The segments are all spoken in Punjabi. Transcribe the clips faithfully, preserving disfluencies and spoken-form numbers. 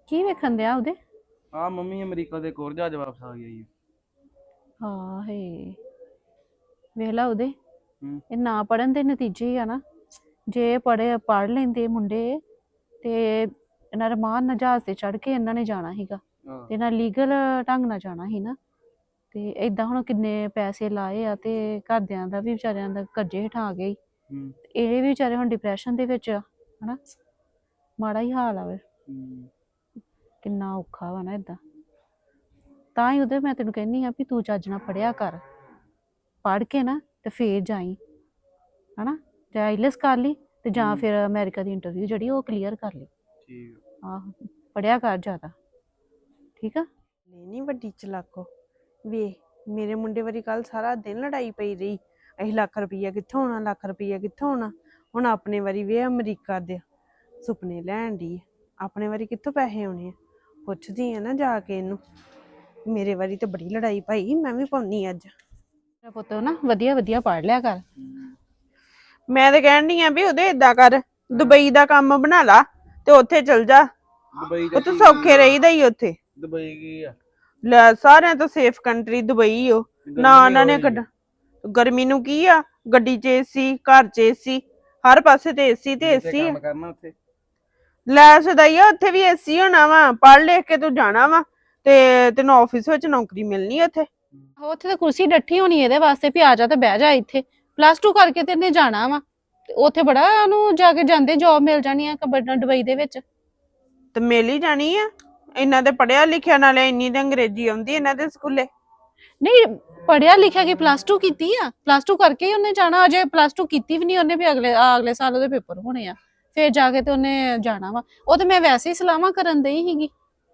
ਕੀ ਵੇਖਣ ਦਿਆ ਉਹਦੇ? ਆ ਮੰਮੀ ਅਮਰੀਕਾ ਦੇ ਕੋਰ ਜਹਾਜ਼ ਵਾਪਸ ਆ ਗਿਆ ਜੀ। ਹਾਂ ਹੇ ਵੇਖ ਲਾ ਉਹਦੇ, ਹੂੰ ਇਹ ਨਾ ਪੜਨ ਦੇ ਨਤੀਜੇ ਹੀ ਆ ਨਾ। ਜੇ ਪੜ੍ਹੇ ਪੜ੍ਹ ਲੈਂਦੇ ਮੁੰਡੇ ਤੇ ਇਹਨਾਂ ਰਮਾਨ ਨਾਲ ਜਹਾਜ਼ ਤੇ ਚੜ੍ਹ ਕੇ ਇਹਨਾਂ ਨੇ ਜਾਣਾ ਸੀਗਾ ਆਹ, ਤੇ ਨਾਲ ਲੀਗਲ ਢੰਗ ਨਾਲ ਜਾਣਾ ਸੀ ਨਾ। ਤੇ ਏਦਾਂ ਹੁਣ ਕਿੰਨੇ ਪੈਸੇ ਲਾਏ ਆ ਤੇ ਘਰਦਿਆਂ ਦਾ ਵੀ ਵਿਚਾਰਿਆਂ ਦਾ ਕਰਜ਼ੇ ਹੇਠਾਂ ਆ ਗਏ। ਹੂੰ ਇਹ ਵੀ ਵਿਚਾਰੇ ਹੁਣ ਡਿਪਰੈਸ਼ਨ ਦੇ ਵਿੱਚ ਆ, ਹਨਾ। ਮਾੜਾ ਹੀ ਹਾਲ ਆ ਵੇ, ਹੂੰ ਕਿੰਨਾ ਔਖਾ ਵਾ ਨਾ ਏਦਾਂ। ਤਾਂ ਹੀ ਉਹਦੇ ਮੈਂ ਤੈਨੂੰ ਕਹਿੰਦੀ ਆ ਵੀ ਤੂੰ ਚੱਜ ਨਾਲ ਪੜ੍ਹਿਆ ਕਰ, ਪੜ੍ਹ ਕੇ ਨਾ ਤੇ ਫੇਰ ਜਾਈ, ਹਨਾ। ਜਾਂ ਆਈਲੈਸ ਕਰ ਲਈ ਤੇ ਜਾਂ ਹੂੰ, ਫਿਰ ਅਮਰੀਕਾ ਦੀ ਇੰਟਰਵਿਊ ਜਿਹੜੀ ਉਹ ਕਲੀਅਰ ਕਰ ਲਈ। ਠੀਕ ਆਹੋ, ਪੜ੍ਹਿਆ ਕਰ ਜ਼ਿਆਦਾ, ਠੀਕ ਆ। ਨਹੀਂ ਨਹੀਂ ਵੱਡੀ ਚਲਾਕੋ ਵੇ, ਮੇਰੇ ਮੁੰਡੇ ਵਾਰੀ ਕੱਲ ਸਾਰਾ ਦਿਨ ਲੜਾਈ ਪਈ ਰਹੀ। ਅਸੀਂ ਲੱਖ ਰੁਪਈਆ ਕਿੱਥੋਂ ਆਉਣਾ, ਲੱਖ ਰੁਪਈਆ ਕਿੱਥੋਂ ਆਉਣਾ। ਹੁਣ ਆਪਣੇ ਵਾਰੀ ਵੇ ਅਮਰੀਕਾ ਦੇ ਸੁਪਨੇ ਲੈਣ ਦੀ, ਆਪਣੇ ਵਾਰੀ ਕਿੱਥੋਂ ਪੈਸੇ ਆਉਣੇ ਆ। ਪੁੱਛਦੀ ਆ ਨਾ ਜਾ ਕੇ ਇਹਨੂੰ, ਮੇਰੇ ਵਾਰੀ ਤੇ ਬੜੀ ਲੜਾਈ ਪਾਈ, ਮੈਂ ਵੀ ਪਾਉਣੀ ਅੱਜ। ਮੇਰਾ ਪੁੱਤ ਨਾ ਵਧੀਆ ਵਧੀਆ ਪੜ੍ਹ ਲਿਆ ਕਰ। ਹੂੰ। ਮੈਂ ਤੇ ਕਹਿਣ ਡਈ ਆ ਵੀ ਉਹਦੇ ਏਦਾਂ ਕਰ, ਦੁਬਈ ਦਾ ਕੰਮ ਬਣਾ ਲਾ ਤੇ ਉੱਥੇ ਚਲ ਜਾ। ਦੁਬਈ ਉੱਥੇ ਚਾਚੀ ਕੀ ਸੌਖੇ ਆ? ਰਹੀਦਾ ਹੀ ਉੱਥੇ। ਦੁਬਈ ਕੀ ਆ? ਲੈ ਸਾਰਿਆਂ ਤੋਂ ਸੇਫ ਕੰਟਰੀ ਦੁਬਈ ਓ ਨਾ। ਗਰਮੀ ਉਹਨਾਂ ਨੇ ਹੋਈ ਕੱਢ ਗਰਮੀ ਨੂੰ ਕੀ ਆ, ਗੱਡੀ 'ਚ ਏਸੀ, ਘਰ 'ਚ ਏਸੀ, ਹਰ ਪਾਸੇ ਤੇ ਏਸੀ ਤੇ ਜਿੱਥੇ ਏਸੀ ਆ। ਕੰਮ ਕਰਨਾ ਉੱਥੇ। ਲੈ ਸਦਾਈਆ ਉੱਥੇ ਵੀ ਏਸੀ ਹੋਣਾ ਵਾ, ਪੜ੍ਹ ਲਿਖ ਕੇ ਤੂੰ ਜਾਣਾ ਵਾ ਤੇ ਤੈਨੂੰ ਆਫਿਸ ਵਿੱਚ ਨੌਕਰੀ ਮਿਲਣੀ ਆ ਉੱਥੇ। ਉੱਥੇ ਤਾਂ ਕੁਰਸੀ ਡੱਠੀ ਹੋਣੀ ਇਹਦੇ ਵਾਸਤੇ ਵੀ ਆ ਜਾ ਤੇ ਬਹਿ ਜਾ ਇੱਥੇ। ਪਲੱਸ ਟੂ ਕਰਕੇ ਤੇ ਇਹਨੇ ਜਾਣਾ ਵਾ ਤੇ ਉੱਥੇ ਬੜਾ ਉਹਨੂੰ ਜਾ ਕੇ ਜਾਂਦੇ ਜੋਬ ਮਿਲ ਜਾਣੀ ਆ ਦੁਬਈ ਦੇ ਵਿੱਚ। ਤੇ ਮਿਲ ਹੀ ਜਾਣੀ ਆ, ਇਹਨਾਂ ਦੇ ਪੜ੍ਹਿਆ ਲਿਖਿਆ, ਨਾਲੇ ਇੰਨੀ ਤੇ ਅੰਗਰੇਜ਼ੀ ਆਉਂਦੀ ਇਹਨਾਂ ਦੇ ਸਕੂਲੇ। ਨਹੀਂ ਪੜਿਆ ਲਿਖਿਆ ਕਿ ਪਲੱਸ ਟੂ ਕੀਤੀ ਆ, ਪਲੱਸ ਟੂ ਕਰਕੇ ਹੀ ਉਹਨੇ ਜਾਣਾ। ਅਜੇ ਪਲੱਸ ਟੂ ਕੀਤੀ ਵੀ ਨਹੀਂ ਉਹਨੇ, ਵੀ ਅਗਲੇ ਅਗਲੇ ਸਾਲ ਉਹਦੇ ਪੇਪਰ ਹੋਣੇ ਆ, ਫੇਰ ਜਾ ਕੇ ਤੇ ਉਹਨੇ ਜਾਣਾ ਵਾ। ਉਹ ਤੇ ਮੈਂ ਵੈਸੇ ਹੀ ਸਲਾਹਾਂ ਕਰਨ ਦਈ ਸੀਗੀ।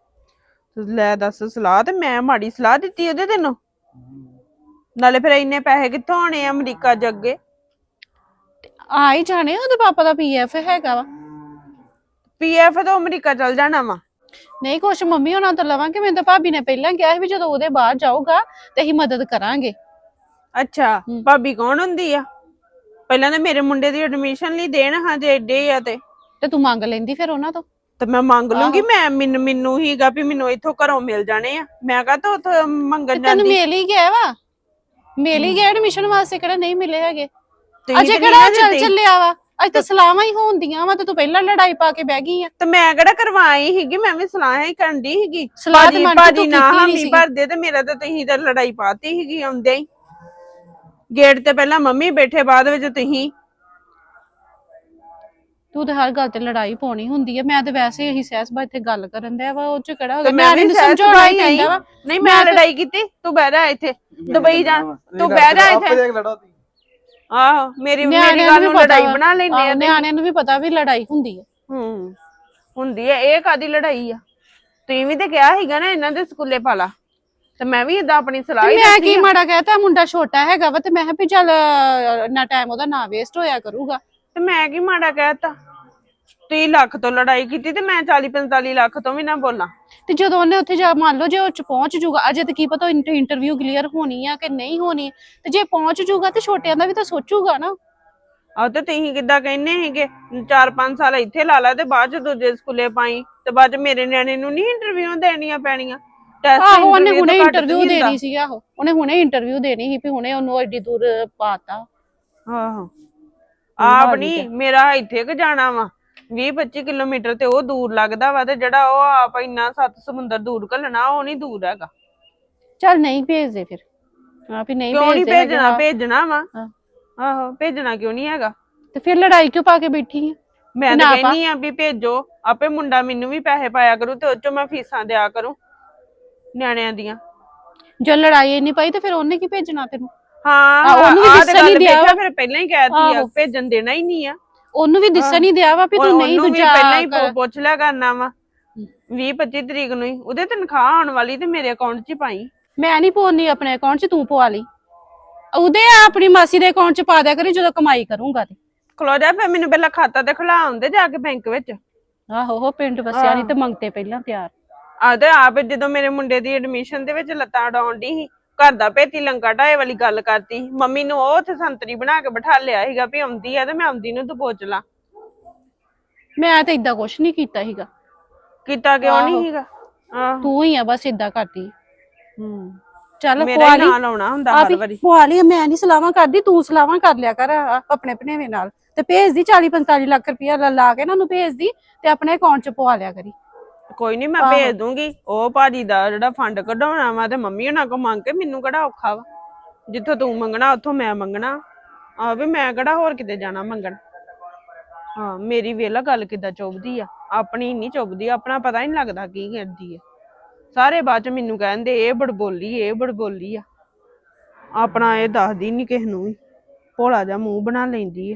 ਲੈ ਦੱਸ, ਸਲਾਹ ਤੇ ਮੈਂ ਮਾੜੀ ਸਲਾਹ ਦਿੱਤੀ ਉਹਦੇ ਤੈਨੂੰ? ਹੂੰ। ਨਾਲੇ ਫਿਰ ਇੰਨੇ ਪੈਸੇ ਕਿੱਥੋਂ ਆਣੇ ਆ ਅਮਰੀਕਾ ਚ ਅੱਗੇ? ਆ ਹੀ ਜਾਣੇ, ਉਹਦੇ ਪਾਪਾ ਦਾ ਪੀ ਐਫ ਹੈਗਾ ਵਾ। ਪੀ ਐਫ ਤੋਂ ਅਮਰੀਕਾ ਚਲ ਜਾਣਾ ਵਾ? ਨਹੀਂ ਕੁਛ ਮੰਮੀ ਹੋਣਾ ਤੋਂ ਲਵਾਂਗੇ। ਮੈਨੂੰ ਤਾਂ ਭਾਬੀ ਨੇ ਪਹਿਲਾਂ ਕਿਹਾ ਸੀ ਵੀ ਜਦੋਂ ਉਹਦੇ ਬਾਹਰ ਜਾਊਗਾ ਤੇ ਅਸੀਂ ਮਦਦ ਕਰਾਂਗੇ। ਅੱਛਾ, ਹੂੰ। ਭਾਬੀ ਕੌਣ ਹੁੰਦੀ ਆ? ਪਹਿਲਾਂ ਤਾਂ ਮੇਰੇ ਮੁੰਡੇ ਦੀ ਐਡਮਿਸ਼ਨ ਲਈ ਦੇਣ ਹਾਂ ਜੇ ਏਡੇ ਆ ਤੇ ਤੇ ਤੂੰ ਮੰਗ ਲੈਂਦੀ ਫਿਰ ਉਹਨਾਂ ਤੋਂ। ਤੇ ਮੈਂ ਮੰਗ ਲੂੰਗੀ। ਆਹੋ ਮੈਂ ਮੈਨੂੰ ਮੈਨੂੰ ਹੀਗਾ ਵੀ ਮੈਨੂੰ ਇੱਥੋਂ ਘਰੋਂ ਮਿਲ ਜਾਣੇ ਆ, ਮੈਂ ਕਾ ਤਾਂ ਉੱਥੋਂ ਤੇ ਮੰਗਣ ਤੈਨੂੰ ਜਾਂਦੀ। ਮਿਲ ਹੀ ਗਿਆ ਵਾ, ਮਿਲ ਹੀ ਗਿਆ ਐਡਮਿਸ਼ਨ ਵਾਸਤੇ, ਕਿਹੜਾ ਨਹੀਂ ਮਿਲੇ ਹੈਗੇ। ਤੁਸੀਂ ਅਜੇ ਤੇ ਨਹੀਂ ਕਿਹੜਾ ਨਾ ਚੱਲ ਦਿੱਤੀ ਚੱਲਿਆ ਵਾ, ਅੱਜ ਤਾਂ ਸਲਾਹਾਂ ਹੀ ਹੋਣਦੀਆਂ ਵਾ ਤੇ ਤੂੰ ਪਹਿਲਾਂ ਲੜਾਈ ਪਾ ਕੇ ਬਹਿ ਗਈ ਆ। ਤੇ ਮੈਂ ਕਿਹੜਾ ਕਰਵਾਈ ਸੀਗੀ, ਮੈਂ ਵੀ ਸਲਾਹ ਹੀ ਕਰਨ ਦੀ ਸੀਗੀ। ਸਲਾਹ ਤੇ ਭਾਜੀ ਮਨ ਚ ਭਾਜੀ ਤੂੰ ਨਾ ਕੀਤੀ ਨੀ ਹਾਮੀ ਸੀਗੀ। ਭਰਦੇ ਤੇ ਮੇਰਾ ਤਾਂ ਤੁਸੀਂ ਤਾਂ ਲੜਾਈ ਪਾਤੀ ਸੀਗੀ ਆਉਂਦੇ ਹੀ। ਗੇਟ ਤੇ ਪਹਿਲਾਂ ਮੰਮੀ ਬੈਠੇ, ਬਾਅਦ ਵਿੱਚ ਤੁਸੀਂ। ਤੂੰ ਤੇ ਹਰ ਗੱਲ ਤੇ ਲੜਾਈ ਪਾਉਣੀ ਹੁੰਦੀ ਹੈ। ਮੈਂ ਤੇ ਵੈਸੇ ਇਹੀ ਸਹਿਜ ਇੱਥੇ ਗੱਲ ਕਰਨ ਦਿਆ ਵਾ, ਉਹ ਚ ਕਿਹੜਾ ਹੋ ਤੇ ਗਿਆ, ਮੈਂ ਨਿਆਣੇ ਵੀ ਨੂੰ ਸਹਿਜ ਸਮਝਾਉਣਾ ਹੀ ਸੁਭਾਈ ਆਈ। ਪੈਂਦਾ ਵਾ। ਨਹੀਂ ਮੈਂ ਮੈਂ ਤੇ ਲੜਾਈ ਕੀਤੀ, ਤੂੰ ਬਹਿ ਜਾ ਇੱਥੇ ਮੈਂ ਦੁਬਈ ਜਾ, ਚੱਲਣਾ ਵਾ। ਤੂੰ ਤੁਸੀਂ ਬਹਿ ਜਾ ਆਪੇ ਇੱਥੇ। ਜਾ ਕੇ ਲੜੋ ਤੁਸੀਂ। ਆਹੋ ਮੇਰੀ ਮੇਰੀ ਨਿਆਣਿਆਂ ਗੱਲ ਨੂੰ ਨੂੰ ਵੀ ਪਤਾ ਲੜਾਈ ਵਾ। ਬਣਾ ਲੈਂਦੇ ਆਹੋ ਆ ਤੇ। ਨਿਆਣਿਆਂ ਨੂੰ ਵੀ ਪਤਾ ਵੀ ਲੜਾਈ ਹੁੰਦੀ ਹੈ। ਹੂੰ ਹੁੰਦੀ ਹੈ, ਇਹ ਕਾਦੀ ਲੜਾਈ ਆ? ਤੁਸੀਂ ਵੀ ਤੇ ਕਿਹਾ ਸੀਗਾ ਨਾ ਇਹਨਾਂ ਦੇ ਸਕੂਲੇ ਪਾਲਾ, ਤੇ ਮੈਂ ਵੀ ਏਦਾਂ ਆਪਣੀ ਤੇ ਸਲਾਹ ਹੀ ਮੈਂ ਦੱਸੀ ਕੀ ਆ। ਮਾੜਾ ਕਹਿਤਾ, ਮੁੰਡਾ ਛੋਟਾ ਹੈਗਾ ਵਾ ਤੇ ਮੈਂ ਕਿਹਾ ਵੀ ਚੱਲ ਇੰਨਾ ਟਾਈਮ ਉਹਦਾ ਨਾ ਵੇਸਟ ਹੋਇਆ ਕਰੂਗਾ। ਤੇ ਮੈਂ ਕੀ ਮਾੜਾ ਕਹਿਤਾ? ਤੁਸੀਂ ਲੱਖ ਤੋਂ ਲੜਾਈ ਕੀਤੀ ਤੇ ਮੈਂ ਚਾਲੀ ਪੰਤਾਲੀ ਲੱਖ ਤੋਂ ਵੀ ਨਾ ਬੋਲਾਂ। ਤੇ ਜਦੋਂ ਉਹਨੇ ਉੱਥੇ ਜਾ, ਮੰਨ ਲਓ ਜੇ ਉਹ ਚ ਪਹੁੰਚ ਜੂਗਾ, ਅਜੇ ਤੇ ਕੀ ਪਤਾ ਇੰਟਰਵਿਊ ਕਲੀਅਰ ਹੋਣੀ ਆ ਕਿ ਨਹੀਂ ਹੋਣੀ, ਤੇ ਜੇ ਪਹੁੰਚ ਜੂਗਾ ਤੇ ਛੋਟਿਆਂ ਦਾ ਵੀ ਤਾਂ ਸੋਚੂਗਾ ਨਾ। ਆਹ ਤੇ ਤੁਸੀਂ ਕਿੱਦਾਂ ਕਹਿੰਦੇ ਸੀਗੇ ਚਾਰ ਪੰਜ ਸਾਲ ਇੱਥੇ ਲਾ ਲਾ ਤੇ ਬਾਅਦ ਚ ਦੂਜੇ ਸਕੂਲੇ ਪਾਈ, ਤੇ ਬਾਅਦ ਚ ਮੇਰੇ ਨਿਆਣੇ ਨੂੰ ਨਹੀਂ ਇੰਟਰਵਿਊ ਦੇਣੀਆਂ ਪੈਣੀਆਂ? ਟੈਸਟ ਆਹੋ ਉਹਨੇ ਇੰਟਰਵਿਊ ਤੋਂ ਹੁਣੇ ਘੱਟ ਤੇ ਇੰਟਰਵਿਊ ਨਹੀਂ ਹੁੰਦਾ। ਦੇਣੀ ਸੀ। ਆਹੋ ਉਹਨੇ ਹੁਣੇ ਇੰਟਰਵਿਊ ਦੇਣੀ ਸੀ ਵੀ ਹੁਣੇ ਉਹਨੂੰ ਐਡੀ ਦੂਰ ਪਾਤਾ। ਆਹੋ ਆਪ ਨੀ, ਮੇਰਾ ਇੱਥੇ ਕਿ ਜਾਣਾ ਵਾ ਵੀਹ ਪੱਚੀ ਕਿਲੋਮੀਟਰ, ਤੇ ਉਹ ਦੂਰ ਲੱਗਦਾ ਵਾ। ਤੇ ਜਿਹੜਾ ਉਹ ਆਪ ਇੰਨਾ ਸੱਤ ਸਮੁੰਦਰ ਦੂਰ ਘੱਲਣਾ, ਉਹ ਨੀ ਦੂਰ ਹੈਗਾ। ਚੱਲ ਨਹੀਂ ਭੇਜਦੇ ਫਿਰ, ਹਾਂ ਵੀ ਨਹੀਂ ਕਿਉਂ ਨੀ ਭੇਜਦੇ ਹੈਗੇ। ਭੇਜਣਾ? ਹਾਂ ਭੇਜਣਾ ਵਾ। ਹਾਂ। ਆਹੋ ਭੇਜਣਾ ਕਿਉਂ ਨੀ ਹੈਗਾ? ਤੇ ਫਿਰ ਲੜਾਈ ਕਿਉਂ ਪਾ ਕੇ ਬੈਠੀ ਆ? ਮੈਂ ਤਾਂ ਨਾ ਪਾ, ਕਹਿੰਨੀ ਆ ਵੀ ਭੇਜੋ, ਆਪੇ ਮੁੰਡਾ ਮੈਨੂੰ ਵੀ ਪੈਸੇ ਪਾਇਆ ਕਰੂ ਤੇ ਉਹ ਚੋਂ ਮੈਂ ਫੀਸਾਂ ਦਿਆ ਕਰੂੰ ਨਿਆਣਿਆਂ ਦੀਆਂ। ਜੇ ਲੜਾਈ ਇੰਨੀ ਪਈ ਤੇ ਫਿਰ ਉਹਨੇ ਕੀ ਭੇਜਣਾ ਤੈਨੂੰ? ਹਾਂ ਉਹਨੂੰ ਵੀ ਆਹ ਤੇ ਦਿਸਣ ਹੀ ਗੱਲ ਦਿਆ ਵੇਖਿਆ, ਵਾ। ਫਿਰ ਪਹਿਲਾਂ ਹੀ ਕਹਿਤੀ ਆ ਆਹੋ ਭੇਜਣ ਦੇਣਾ ਹੀ ਨਹੀਂ ਆ। ਉਹਨੂੰ ਵੀ ਦਿਸਣ ਹੀ ਦਿਆ ਵਾ ਵੀ ਤੂੰ ਨਹੀਂ ਉਹਨੂੰ ਵੀ ਦੂਜਾ ਪਹਿਲਾਂ ਹੀ ਕਰ। ਪੁੱਛ ਲਿਆ ਕਰਨਾ ਵਾ ਵੀਹ ਪੱਚੀ ਤਰੀਕ ਨੂੰ ਹੀ ਉਹਦੇ ਤਨਖਾਹ ਆਉਣ ਵਾਲੀ, ਤੇ ਮੇਰੇ ਅਕਾਊਂਟ 'ਚ ਹੀ ਪਾਈ। ਮੈਂ ਨਹੀਂ ਪਾਉਣੀ ਆਪਣੇ ਅਕਾਊਂਟ 'ਚ, ਤੂੰ ਪਵਾ ਲਈ। ਉਹਦੇ ਆਪਣੀ ਮਾਸੀ ਦੇ ਅਕਾਊਂਟ 'ਚ ਪਾ ਦਿਆ ਕਰੀ ਜਦੋਂ ਕਮਾਈ ਕਰੂੰਗਾ ਤੇ। ਖਲੋ ਜਾ, ਫਿਰ ਮੈਨੂੰ ਪਹਿਲਾਂ ਖਾਤਾ ਤੇ ਖੁਲਾ ਆਉਂਦੇ ਜਾ ਕੇ ਬੈਂਕ ਵਿੱਚ। ਆਹੋ ਉਹ ਪਿੰਡ ਵਸਿਆ ਨਹੀਂ ਤੇ ਮੰਗਤੇ ਪਹਿਲਾਂ ਤਿਆਰ। ਆਹ ਤੇ ਆਪ ਜਦੋਂ ਮੇਰੇ ਮੁੰਡੇ ਦੀ ਐਡਮਿਸ਼ਨ ਦੇ ਵਿੱਚ ਲੱਤਾਂ ਉਡਾਉਣ ਦੀ ਸੀ, ਘਰ ਦਾ ਭੇਤੀ ਲੰਕਾ ਢਾਏ ਵਾਲੀ ਗੱਲ ਕਰਤੀ। ਮੰਮੀ ਨੂੰ ਉਹ ਉੱਥੇ ਸੰਤਰੀ ਬਣਾ ਕੇ ਬਿਠਾ ਲਿਆ ਸੀਗਾ ਵੀ ਆਉਂਦੀ ਆ ਤੇ ਮੈਂ ਆਉਂਦੀ ਨੂੰ ਤੂੰ ਪੁੱਛ ਲਾ। ਮੈਂ ਤੇ ਏਦਾਂ ਕੁਛ ਨਹੀਂ ਕੀਤਾ ਸੀਗਾ। ਕੀਤਾ ਕਿਉਂ ਆਹੋ। ਨਹੀਂ ਸੀਗਾ ਆਹ ਤੂੰ ਹੀ ਆ ਬਸ ਇਦਾਂ ਕਰਦੀ। ਹੂੰ ਚੱਲ ਮੇਰਾ ਪਵਾ ਹੀ ਲਈ ਨਾਂ ਲਾਉਣਾ ਹੁੰਦਾ ਆ ਹਰ ਵੀ ਵਾਰੀ। ਪਵਾ ਲਈ। ਮੈਂ ਨਹੀਂ ਸਲਾਹਾਂ ਕਰਦੀ, ਤੂੰ ਸਲਾਹਾਂ ਕਰ ਲਿਆ ਕਰ ਆ- ਆਪਣੇ ਭਣੇਵੇਂ ਨਾਲ ਤੇ ਭੇਜਦੀ ਚਾਲੀ ਪੰਤਾਲੀ ਲੱਖ ਰੁਪਇਆ ਲਾ ਲਾ ਕੇ ਨਾ ਉਹਨੂੰ ਭੇਜਦੀ ਤੇ ਆਪਣੇ ਅਕਾਊਂਟ 'ਚ ਪਵਾ ਲਿਆ ਕਰੀ। ਕੋਈ ਨਹੀਂ ਮੈਂ ਆਹੋ। ਭੇਜ ਦੂੰਗੀ। ਉਹ ਭਾਜੀ ਦਾ ਜਿਹੜਾ ਫੰਡ ਕਢਾਉਣਾ ਵਾ ਤੇ ਮੰਮੀ ਉਹਨਾਂ ਕੋਲ ਮੰਗ ਕੇ ਮੈਨੂੰ ਕਿਹੜਾ ਔਖਾ ਵਾ। ਜਿੱਥੋਂ ਤੂੰ ਮੰਗਣਾ ਉੱਥੋਂ ਮੈਂ ਮੰਗਣਾ ਆ ਵੀ ਮੈਂ ਕਿਹੜਾ ਹੋਰ ਕਿਤੇ ਜਾਣਾ ਮੰਗਣ। ਹਾਂ ਮੇਰੀ ਵੇਲਾ ਗੱਲ ਕਿੱਦਾਂ ਚੁੱਭਦੀ ਆ, ਆਪਣੀ ਨਹੀਂ ਚੁੱਭਦੀ, ਆਪਣਾ ਪਤਾ ਨਹੀਂ ਲੱਗਦਾ ਕੀ ਕਰਦੀ ਆ। ਸਾਰੇ ਬਾਅਦ ਚ ਮੈਨੂੰ ਕਹਿੰਦੇ ਇਹ ਬੜਬੋਲੀ ਇਹ ਬੜਬੋਲੀ ਆ, ਆਪਣਾ ਇਹ ਦੱਸਦੀ ਨਹੀਂ ਕਿਸੇ ਨੂੰ ਵੀ, ਭੋਲਾ ਜਿਹਾ ਮੂੰਹ ਬਣਾ ਲੈਂਦੀ ਆ।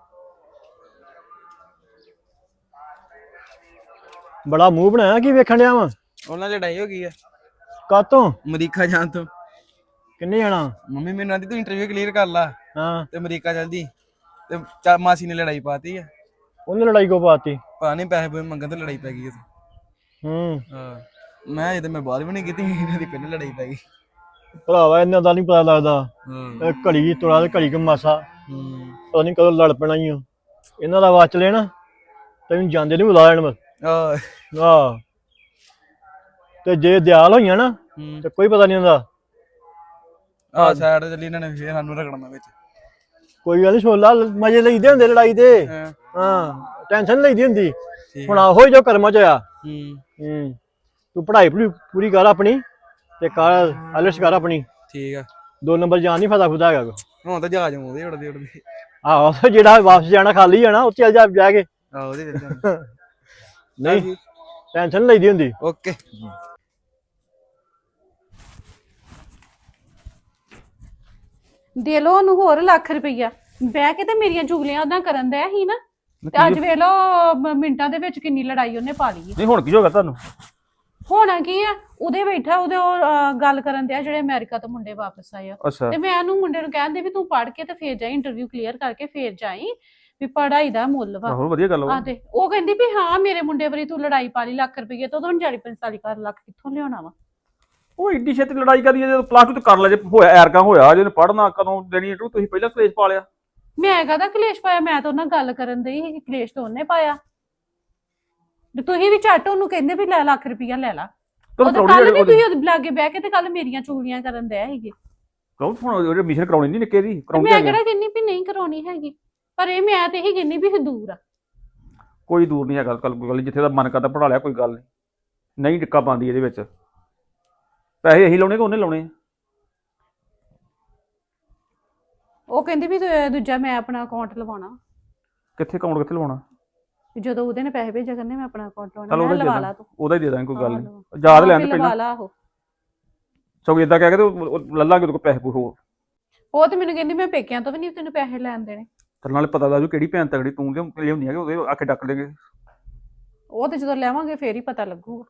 ਬੜਾ ਮੂੰਹ ਬਣਾਇਆ ਕੀ ਵੇਖਣ ਡਿਆ ਵਾ? ਉਹਨਾਂ ਦੀ ਲੜਾਈ ਹੋ ਗਈ ਆ ਕਾਤੋਂ? ਅਮਰੀਕਾ ਜਾਣ ਤੋਂ। ਕਿੰਨੇ ਜਾਣਾ? ਮੰਮੀ ਮੈਨੂੰ ਆਂਦੀ ਤੂੰ ਇੰਟਰਵਿਊ ਕਲੀਅਰ ਕਰ ਲਾ ਹਾਂ ਤੇ ਅਮਰੀਕਾ ਜਲਦੀ ਤੇ ਚਾ- ਮਾਸੀ ਨੇ ਲੜਾਈ ਪਾਤੀ ਆ। ਉਹਨੇ ਲੜਾਈ ਕੋ ਪਾਤੀ? ਪਤਾ ਨਹੀਂ ਪੈਸੇ ਪੂਸੇ ਮੰਗਣ ਤੇ ਲੜਾਈ ਪੈ ਗਈ ਉੱਥੇ। ਹੂੰ ਹਾਂ ਮੈਂ ਇਹ ਤੇ ਮੈਂ ਬਾਤ ਵੀ ਨਹੀਂ ਕੀਤੀ, ਇਹਨਾਂ ਦੀ ਪਹਿਲਾਂ ਲੜਾਈ ਪੈ ਗਈ। ਭਰਾਵਾ ਇਹਨਾਂ ਦਾ ਨਹੀਂ ਪਤਾ ਲੱਗਦਾ। ਹਾਂ ਇਹ ਘੜੀ ਤੋੜਾ ਤੇ ਘੜੀ ਕ ਮਾਸਾ ਹੂੰ ਪਤਾ ਨਹੀਂ ਕਦੋਂ ਲੜ ਪੈਣਾ ਹੀ। ਇਹਨਾਂ ਦਾ ਵਾਚ ਲੈਣਾ ਤੈਨੂੰ ਜਾਂਦੇ ਨਹੀਂ ਬੁਲਾ ਲੈਣ ਬਸ। ਆਹ ਆਹ ਤੇ ਜੇ ਦਿਆਲ ਹੋਈਆਂ ਨਾ ਹੂੰ ਤੇ ਕੋਈ ਪਤਾ ਨਹੀਂ ਹੁੰਦਾ। ਆਹ ਸਾਈਡ ਤੇ ਚੱਲੀ ਇਹਨਾਂ ਨੇ ਫੇਰ ਸਾਨੂੰ ਰਗੜਨਾ ਵਿੱਚ। ਕੋਈ ਗੱਲ ਨੀ, ਛੋਲਾ ਮਜ਼ੇ ਲਈਦੇ ਹੁੰਦੇ ਲੜਾਈ ਦੇ। ਹਾਂ ਹਾਂ ਟੈਨਸ਼ਨ ਲਈਦੀ ਹੁੰਦੀ। ਠੀਕ ਹੁਣ ਆਹੋ ਹੀ ਜੋ ਕਰਮਾਂ ਚ ਆ। ਹੂੰ ਹੂੰ ਤੂੰ ਪੜ੍ਹਾਈ ਪੂਰੀ ਪੂਰੀ ਕਰ ਆਪਣੀ ਤੇ ਕਰ ਆਲਸ ਕਰ ਆਪਣੀ। ਠੀਕ ਆ। ਦੋ ਨੰਬਰ ਜਾਣ ਨਹੀਂ ਫਾਇਦਾ ਖੁਦਾ ਹੈਗਾ। ਹੁਣ ਤਾਂ ਜਹਾਜ਼ ਆਉਂਦੇ ਉੜਦੇ ਉੜਦੇ। ਆਹੋ ਜਿਹੜਾ ਵਾਪਸ ਜਾਣਾ ਖਾਲੀ ਜਾਣਾ ਉੱਥੇ ਚੱਲ ਜਾ ਜਾ ਕੇ। ਆਹ ਉਹਦੇ ਵਿੱਚ ਜਾਣਾ। ਨਹੀਂ ਟੈਨਸ਼ਨ ਲਈਦੀ ਹੁੰਦੀ। ਓਕੇ ਦੇ ਲੋ ਉਹਨੂੰ ਹੋਰ ਲੱਖ ਰੁਪਈਆ, ਬਹਿ ਕੇ ਤੇ ਮੇਰੀਆਂ ਚੁਗਲੀਆਂ ਉਹਦਾਂ ਕਰਨ ਦਿਆ ਸੀ ਨਾ, ਤੇ ਅੱਜ ਵੇਖ ਲੋ ਮਿੰਟਾਂ ਦੇ ਵਿੱਚ ਕਿੰਨੀ ਲੜਾਈ ਉਹਨੇ ਪਾ ਲਈ। ਨਹੀਂ ਹੁਣ ਕੀ ਹੋ ਗਿਆ ਤੁਹਾਨੂੰ? ਹੋਣਾ ਕੀ ਆ, ਉਹਦੇ ਬੈਠਾ ਉਹਦੇ ਉਹ ਅਹ, ਗੱਲ ਕਰਨ ਦਿਆ ਜਿਹੜੇ ਅਮਰੀਕਾ ਤੋਂ ਮੁੰਡੇ ਵਾਪਸ ਆਏ ਆ। ਅੱਛਾ ਤੇ ਮੈਂ ਉਹਨੂੰ ਮੁੰਡੇ ਨੂੰ ਕਹਿੰਦੇ ਵੀ ਤੂੰ ਪੜ੍ਹ ਕੇ ਤੇ ਫੇਰ ਜਾਈ, ਇੰਟਰਵਿਊ ਕਲੀਅਰ ਕਰਕੇ ਫੇਰ ਜਾਈ, ਵੀ ਪੜ੍ਹਾਈ ਦਾ ਮੁੱਲ ਵਾ। ਆਹੋ ਵਧੀਆ ਗੱਲ ਆ ਵਾ। ਤੇ ਉਹ ਕਹਿੰਦੀ ਵੀ ਹਾਂ ਮੇਰੇ ਮੁੰਡੇ ਵਾਰੀ ਤੂੰ ਲੜਾਈ ਪਾ ਲਈ ਲੱਖ ਰੁਪਈਏ ਤੋਂ, ਤੁਹਾਨੂੰ ਚਾਲੀ ਪੰਤਾਲੀ ਲੱਖ ਕਿੱਥੋਂ ਲਿਆਉਣਾ ਵਾ। ਉਹ ਏਡੀ ਛੇਤੀ ਲੜਾਈ ਕਰੀ ਜਦੋਂ ਪਲੱਸ ਟੂ ਤੇ ਕਰ ਲੈ, ਜੇ ਹੋਇਆ ਐਰਕਾ ਹੋਇਆ ਜੇ ਪੜ੍ਹਨਾ ਕਦੋਂ ਦੇਣੀ ਇੰਟਰਵਿਊ, ਤੁਸੀਂ ਪਹਿਲਾਂ ਕਲੇਸ਼ ਪਾ ਲਿਆ। ਮੈਂ ਕਹਦਾ ਕਲੇਸ਼ ਪਾਇਆ, ਮੈਂ ਤਾਂ ਉਹਨਾਂ ਗੱਲ ਕਰਨ ਦਈ ਸੀ, ਕਲੇਸ਼ ਤਾਂ ਉਹਨੇ ਪਾਇਆ। ਤੇ ਤੁਸੀਂ ਵੀ ਝੱਟ ਉਹਨੂੰ ਕਹਿੰਦੇ ਵੀ ਲੈ ਲੱਖ ਰੁਪਈਆ ਲੈ ਲਾ। ਉਹ ਤਾਂ ਕੱਲ ਵੀ ਤੁਸੀਂ ਉਹਦੇ ਲਾਗੇ ਬਹਿ ਕੇ ਤੇ ਕੱਲ ਮੇਰੀਆਂ ਚੁਗਲੀਆਂ ਕਰਨ ਦਏ ਸੀਗੇ। ਕਹੋ ਹੁਣ ਉਹਦੇ ਐਡਮਿਸ਼ਨ ਕਰਾਉਣੀ ਨਹੀਂ ਨਿੱਕੇ ਦੀ ਕਰਾਉਣੀ ਮੈਂ ਹੈ। ਕਿਹੜਾ ਕਹਿੰਨੀ ਵੀ ਨਹੀਂ ਕਰਾਉਣੀ ਹੈਗੀ, ਪਰ ਇਹ ਮੈਂ ਤੇ ਇਹੀ ਕਹਿੰਨੀ ਵੀ ਇਹ ਦੂਰ ਆ। ਕੋਈ ਦੂਰ ਨਹੀਂ ਹੈਗਾ, ਕੱਲ ਕੋਈ ਗੱਲ ਨੀ, ਜਿੱਥੇ ਦਾ ਮਨ ਕਰਦਾ ਪੜਾ ਲਿਆ, ਕੋਈ ਗੱਲ ਨਹੀਂ ਨਹੀਂ ਟਿੱਕਾ ਪਾਉਂਦੀ ਇਹਦੇ ਵਿੱਚ। ਪੈਸੇ ਇਹੀ ਲਾਉਣੇ ਕਿ ਉਹਨੇ ਲਾਉਣੇ ਆ? ਉਹ ਕਹਿੰਦੀ ਵੀ ਦੂ- ਦੂਜਾ ਮੈਂ ਆਪਣਾ ਅਕਾਊਂਟ ਲਵਾਉਣਾ, ਕਿੱਥੇ ਅਕਾਊਂਟ ਕਿੱਥੇ ਲਵਾਉਣਾ? ਵੀ ਜਦੋਂ ਉਹਦੇ ਨੇ ਪੈਸੇ ਭੇਜਿਆ ਕਰਨੇ ਮੈਂ ਆਪਣਾ ਅਕਾਊਂਟ ਚਲ ਲਵਾਉਣਾ। ਉਹਦਾ ਮੈਂ ਹੀ ਦੇ ਲਵਾ ਲਾ ਦਾਂ, ਤੂੰ ਉਹਦਾ ਹੀ ਦੇ ਦਾਂਗੇ, ਕੋਈ ਗੱਲ ਹਾਂ, ਨਹੀਂ। ਲਵਾ। ਯਾਦ ਹਾਂ, ਲੈਣ ਵੀ ਪਹਿਲਾਂ ਲਵਾ ਲਾ ਉਹ। ਸਗੋਂ ਇਦਾਂ ਕਹਿ ਕੇ ਤੇ ਉਹ ਲੱਲਾਂਗੇ ਉਹਦੇ ਕੋਲ ਪੈਸੇ ਪੂਸੇ ਹੋਰ। ਉਹ ਤੇ ਮੈਨੂੰ ਕਹਿੰਦੀ ਮੈਂ ਪੇਕਿਆਂ ਤੋਂ ਵੀ ਨਹੀਂ ਤੈਨੂੰ ਪੈਸੇ ਲੈਣ ਦੇਣੇ। ਤੇ ਨਾਲੇ ਪਤਾ ਲੱਗ ਜੂ ਕਿਹੜੀ ਭੈਣ ਤਗੜੀ ਤੂੰ ਲਿਆ- ਲਿਆਉਂਦੀ ਹੈ ਕਿ ਉਹਦੇ ਆਖੇ ਡੱਕ ਦੇਗੇ। ਉਹ ਤੇ ਜਦੋਂ ਲੈਵਾਂਗੇ ਫੇਰ ਹੀ ਪਤਾ ਲੱਗੂਗਾ।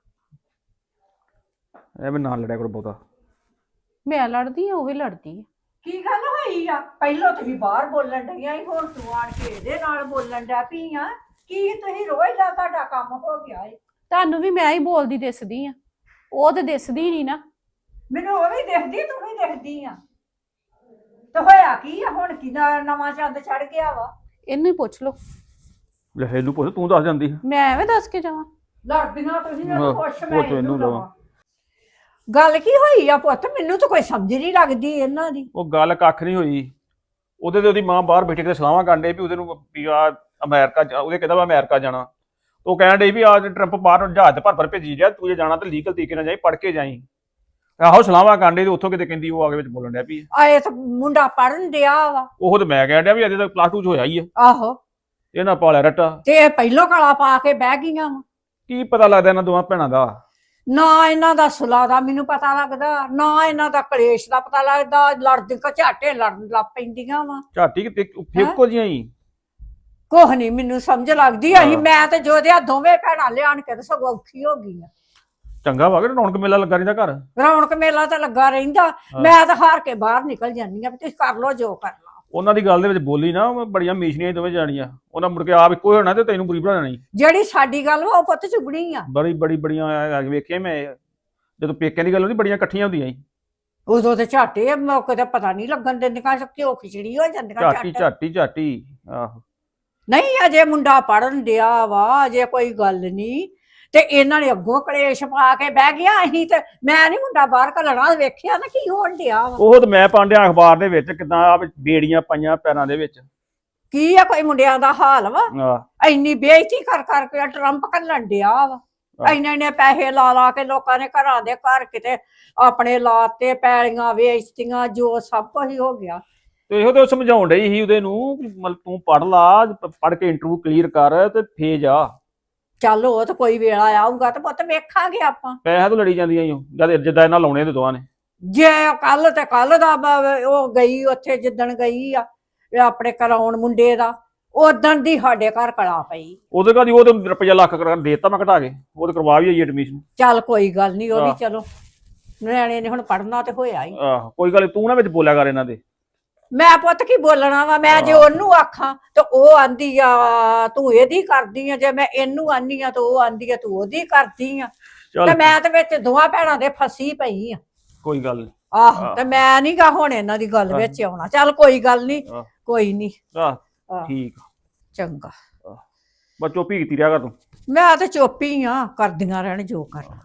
ਐਵੇਂ ਨਾਲ ਲੜਿਆ ਕਰੋ ਬਹੁਤਾ। ਮੈਂ ਲੜਦੀ ਆ ਉਹ ਵੀ ਲੜਦੀ ਆ। ਕੀ ਗੱਲ ਹੋਈ ਆ? ਪਹਿਲਾਂ ਤੁਸੀਂ ਬਾਹਰ ਬੋਲਣ ਡਈਆਂ ਸੀ, ਹੁਣ ਤੂੰ ਆਣ ਕੇ ਇਹਦੇ ਨਾਲ ਬੋਲਣ ਡੈ ਪਈ ਆ। ਕੀ ਤੁਸੀਂ ਰੋਜ਼ ਦਾ ਤੁਹਾਡਾ ਕੰਮ ਹੋ ਗਿਆ ਏ? ਤੁਹਾਨੂੰ ਵੀ ਮੈਂ ਹੀ ਬੋਲਦੀ ਦਿਸਦੀ ਆ, ਉਹ ਤੇ ਦਿਸਦੀ ਨਹੀਂ ਨਾ। ਮੈਨੂੰ ਉਹ ਵੀ ਦਿਖਦੀ, ਤੂੰ ਵੀ ਦਿਖਦੀ ਆ। ਤੇ ਹੋਇਆ ਕੀ ਆ ਹੁਣ? ਕੀ ਨਾ- ਨਵਾਂ ਚੰਦ ਚੜ ਗਿਆ ਵਾ? ਇਹਨੂੰ ਹੀ ਪੁੱਛ ਲਓ, ਲੈ ਇਹਨੂੰ ਪੁੱਛ, ਤੂੰ ਦੱਸ ਜਾਂਦੀ। ਮੈਂ ਐਵੇਂ ਦੱਸ ਕੇ ਜਾਵਾਂ। ਲੜਦੀਆਂ ਤੁਸੀਂ ਹਾਂ, ਮੈਨੂੰ ਪੁੱਛ, ਮੈਂ ਪੁੱਛ ਇਹਨੂੰ ਇਹਨੂੰ ਲਵਾਂ। ਲਵਾਂ। ਗੱਲ ਕੀ ਹੋਈ ਆ ਪੁੱਤ? ਮੈਨੂੰ ਤਾਂ ਕੋਈ ਸਮਝ ਨਹੀਂ ਲੱਗਦੀ ਇਹਨਾਂ ਦੀ। ਉਹ ਗੱਲ ਕੱਖ ਨਹੀਂ ਹੋਈ। ਉਹਦੇ ਤੇ ਉਹਦੀ ਮਾਂ ਬਾਹਰ ਬੈਠੇ ਕਿਤੇ ਸਲਾਹਾਂ ਕਰਨ ਡਈ ਵੀ ਉਹਦੇ ਨੂੰ ਵੀ ਆ ਅਮਰੀਕਾ ਜਾ- ਉਹਦੇ ਕਹਿੰਦਾ ਵਾ ਅਮਰੀਕਾ ਜਾਣਾ। ਉਹ ਕਹਿਣ ਡਈ ਵੀ ਆ ਟਰੰਪ ਬਾਹਰ ਜਹਾਜ਼ ਤੇ ਭਰ ਭਰ ਭੇਜੀ ਜਾ, ਤੂੰ ਜੇ ਜਾਣਾ ਤੇ ਲੀਗਲ ਤਰੀਕੇ ਨਾਲ ਜਾਈ, ਪੜ੍ਹ ਕੇ ਜਾਈ। ਆਹੋ ਸਲਾਹਾਂ ਕਰਨ ਡਈ ਤੇ ਉੱਥੋਂ ਕਿਤੇ ਕਹਿੰਦੀ ਉਹ ਆ ਕੇ ਵਿੱਚ ਬੋਲਣ ਡਿਆ ਪਈ। ਆਏ ਤਾਂ ਮੁੰਡਾ ਪੜਨ ਡਿਆ ਵਾ। ਉਹ ਤੇ ਮੈਂ ਕਹਿਣ ਡਿਆ ਵੀ ਅਜੇ ਤੱਕ ਪਲੱਸ ਟੂ ਚ ਹੋਇਆ ਹੀ ਆ, ਆਹੋ, ਇਹਨਾਂ ਪਾਲਿਆ ਰੱਟਾ। ਤੇ ਇਹ ਪਹਿਲੋਂ ਕਲਾ ਪਾ ਕੇ ਬਹਿ ਗਈਆਂ ਵਾ। ਕੀ ਪਤਾ ਲੱਗਦਾ ਇਹਨਾਂ ਦੋਵਾਂ ਭੈਣਾਂ ਦਾ? ਨਾ ਇਹਨਾਂ ਦਾ ਸੁਲਾ ਦਾ ਮੈਨੂੰ ਪਤਾ ਲੱਗਦਾ, ਨਾ ਇਹਨਾਂ ਦਾ ਕਲੇਸ਼ ਦਾ ਪਤਾ ਲੱਗਦਾ। ਲੜਦੀ ਘਚਾਟੇ ਲੜਨ ਲੱਗ ਪੈਂਦੀਆਂ ਵਾ। ਝਾਟੀ ਕਿਤੇ ਫੇਕੋ ਜੀਆਂ ਹੀ। ਕੁਛ ਨਹੀਂ ਮੈਨੂੰ ਸਮਝ ਲੱਗਦੀ। ਅਸੀਂ ਮੈਂ ਤੇ ਜੋਦਿਆ ਦੋਵੇਂ ਭੈਣਾਂ ਲਿਆਣ ਕੇ ਤੇ ਸਗੋਂ ਔਖੀ ਹੋ ਗਈ ਆ। ਚੰਗਾ ਵਾ ਕਿ ਰੌਣਕ ਮੇਲਾ ਲੱਗਾ ਰਹਿੰਦਾ ਘਰ। ਰੌਣਕ ਮੇਲਾ ਤਾਂ ਲੱਗਾ ਰਹਿੰਦਾ। ਮੈਂ ਤਾਂ ਹਾਰ ਕੇ ਬਾਹਰ ਨਿਕਲ ਜਾਂਦੀ ਆ ਵੀ ਤੁਸੀਂ ਕਰ ਲੋ ਜੋ ਕਰਨਾ। ਉਹਨਾਂ ਦੀ ਗੱਲ ਦੇ ਵਿੱਚ ਬੋਲੀ ਨਾ, ਉਹ ਬੜੀਆਂ ਮੀਸ਼ਨੀਆਂ ਦੋਵੇਂ ਜਾਣੀਆਂ। ਉਹਨਾਂ ਮੁੜ ਕੇ ਆਪ ਇੱਕੋ ਹੋਣਾ ਤੇ ਤੈਨੂੰ ਬੁਰੀ ਬਣਾ ਦੇਣੀ। ਜਿਹੜੀ ਸਾਡੀ ਗੱਲ ਵਾ ਉਹ ਪੁੱਤ ਚੁਗਣੀ ਆ। ਬੜੀ ਬੜੀ ਬੜੀਆਂ ਆ ਕੇ ਵੇਖਿਆ ਮੈਂ, ਜਦੋਂ ਪੇਕਿਆਂ ਦੀ ਗੱਲ ਹੁੰਦੀ ਬੜੀਆਂ ਇਕੱਠੀਆਂ ਹੁੰਦੀਆਂ ਸੀ। ਉਦੋਂ ਤੇ ਝਾਟੇ ਮੌਕੇ ਤੇ ਪਤਾ ਨਹੀਂ ਲੱਗਣ ਦਿੰਦੀਆਂ, ਘਿਓ ਖਿਚੜੀ ਹੋ ਜਾਂਦੀਆਂ ਝਾਟੀ ਝੱਟ। ਝਾਟੀ ਝਾਟੀ ਆਹੋ। ਨਹੀਂ ਅਜੇ ਮੁੰਡਾ ਪੜਨ ਡਿਆ ਵਾ, ਅਜੇ ਕੋਈ ਗੱਲ ਨਹੀਂ। ਤੇ ਇਹਨਾਂ ਨੇ ਅੱਗੋਂ ਕਲੇਸ਼ ਪਾ ਕੇ ਬਹਿ ਗਿਆ। ਅਸੀਂ ਤੇ ਮੈਂ ਨਹੀਂ ਮੁੰਡਾ ਬਾਹਰ ਘੱਲਣਾ, ਵੇਖਿਆ ਨਾ ਕੀ ਹੋਣ ਡਿਆ ਵਾ। ਉਹ ਤੇ ਮੈਂ ਪਾਂਡਿਆ ਅਖਬਾਰ ਦੇ ਵਿੱਚ ਕਿਦਾਂ ਆ ਬੇੜੀਆਂ ਪਾਈਆਂ ਪੈਰਾਂ ਦੇ ਵਿੱਚ। ਕੀ ਆ ਕੋਈ ਮੁੰਡਿਆਂ ਦਾ ਹਾਲ ਵਾ, ਆਹ ਇੰਨੀ ਬੇਇੱਜ਼ਤੀ ਕਰ ਕਰਕੇ ਟਰੰਪ ਘੱਲਣ ਡਿਆ ਵਾ। ਇੰਨੇ ਇੰਨੇ ਪੈਸੇ ਲਾ ਲਾ ਕੇ ਲੋਕਾਂ ਨੇ ਘਰਾਂ ਦੇ ਘਰ ਕਿਤੇ ਆਪਣੇ ਲਾਤੇ, ਪੈਲੀਆਂ ਵੇਚਤੀਆਂ, ਜੋ ਸਭ ਕੁਝ ਹੀ ਹੋ ਗਿਆ। ਤੇ ਇਹੋ ਤੇ ਉਹ ਸਮਝਾਉਣ ਡਈ ਸੀ ਉਹਦੇ ਨੂੰ ਵੀ ਮਤਲਬ ਤੂੰ ਪੜ ਲਾ, ਪੜ ਕੇ ਇੰਟਰਵਿਊ ਕਲੀਅਰ ਕਰ ਤੇ ਫੇਰ ਜਾ। ਚੱਲ ਉਹ ਤਾਂ ਕੋਈ ਵੇਲਾ ਆਊਗਾ ਤੇ ਪੁੱਤ ਵੇਖਾਂਗੇ ਆਪਾਂ। ਪੈਸਾ ਤੋਂ ਲੜੀ ਜਾਂਦੀਆਂ ਈ ਓ, ਜਦ ਜਿੱਦਾਂ ਇਹਨਾਂ ਲਾਉਣੇ ਤੇ ਦੋਵਾਂ ਨੇ। ਜੇ ਕੱਲ ਤੇ ਕੱਲ ਦਾ ਬ- ਉਹ ਗਈ ਉੱਥੇ ਜਿੱਦਣ ਗਈ ਆ ਇਹ ਆਪਣੇ ਕਰਾਉਣ ਮੁੰਡੇ ਦਾ, ਉਦਣ ਦੀ ਸਾਡੇ ਘਰ ਕਲਾ ਪਈ। ਉਹਦੇ ਘਰ ਦੀ ਉਹ ਤੇ ਰੁਪਈਆ ਲੱਖ ਕਰ ਦੇਤਾ ਮੈਂ ਘਟਾ ਕੇ, ਉਹ ਤੇ ਕਰਵਾ ਵੀ ਆਈ ਐਡਮਿਸ਼ਨ। ਚੱਲ ਕੋਈ ਗੱਲ ਨਹੀਂ, ਉਹ ਵੀ ਆਹ। ਚਲੋ ਨਿਆਣੇ ਨੇ ਹੁਣ ਪੜਨਾ ਤੇ ਹੋਇਆ ਹੀ। ਆਹ ਕੋਈ ਗੱਲ ਨੀ, ਤੂੰ ਨਾ ਵਿੱਚ ਬੋਲਿਆ ਕਰ ਇਹਨਾਂ ਦੇ। ਮੈਂ ਪੁੱਤ ਕੀ ਬੋਲਣਾ ਵਾ, ਮੈਂ ਜੇ ਆਹ। ਉਹਨੂੰ ਆਖਾਂ ਤੇ ਉਹ ਆਂਦੀ ਆ ਤੂੰ ਇਹਦੀ ਕਰਦੀ ਆ, ਜੇ ਮੈਂ ਇਹਨੂੰ ਆਨੀ ਆ ਤੇ ਉਹ ਆਂਦੀ ਆ ਤੂੰ ਉਹਦੀ ਕਰਦੀ ਆ। ਤੇ ਚੱਲ ਮੈਂ ਤੇ ਵਿੱਚ ਦੋਵਾਂ ਭੈਣਾਂ ਦੇ ਫਸੀ ਪਈ ਆ। ਕੋਈ ਗੱਲ ਨੀ। ਆਹੋ ਆਹ। ਤੇ ਮੈਂ ਨੀ ਗਾ ਹੁਣ ਇਹਨਾਂ ਦੀ ਗੱਲ ਆਹ। ਵਿੱਚ ਆਉਣਾ। ਚੱਲ ਕੋਈ ਗੱਲ ਨਹੀਂ, ਆਹ। ਕੋਈ ਨਹੀਂ, ਆਹ ਆਹ। ਠੀਕ ਆ, ਚੰਗਾ। ਬਸ ਚੁੱਪ ਹੀ ਕੀਤੀ ਰਿਹਾ ਕਰ ਤੂੰ। ਮੈਂ ਤੇ ਚੁੱਪੀ ਆ, ਕਰਦੀਆਂ ਰਹਿਣ ਜੋ ਕਰਨਾ।